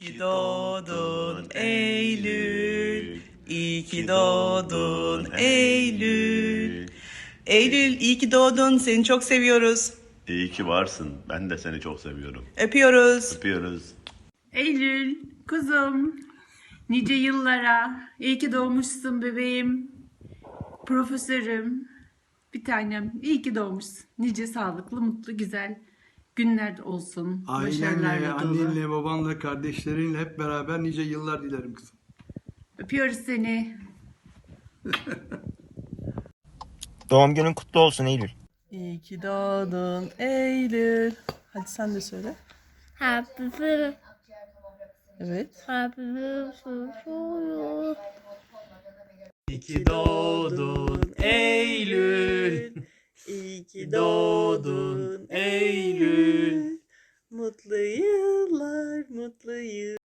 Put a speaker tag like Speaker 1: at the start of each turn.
Speaker 1: ki doğdun Eylül. İyi ki doğdun Eylül. Eylül iyi ki doğdun. Seni çok seviyoruz.
Speaker 2: İyi ki varsın. Ben de seni çok seviyorum.
Speaker 1: Öpüyoruz.
Speaker 2: Öpüyoruz.
Speaker 3: Eylül, kuzum, nice yıllara, iyi ki doğmuşsun bebeğim, profesörüm, bir tanem, iyi ki doğmuşsun. Nice sağlıklı, mutlu, güzel günler olsun.
Speaker 4: Ailenle,
Speaker 3: Başarılarla dolu.
Speaker 4: annenle, babanla, kardeşlerinle hep beraber nice yıllar dilerim kızım.
Speaker 3: Öpüyoruz seni.
Speaker 5: Doğum günün kutlu olsun Eylül.
Speaker 1: İyi ki doğdun Eylül. Hadi sen de söyle.
Speaker 6: Happy birthday.
Speaker 1: Evet.
Speaker 6: Happy birthday to you.
Speaker 1: İyi ki doğdun Eylül. İyi ki doğdun Eylül. Mutlu yıllar, mutlu yıllar.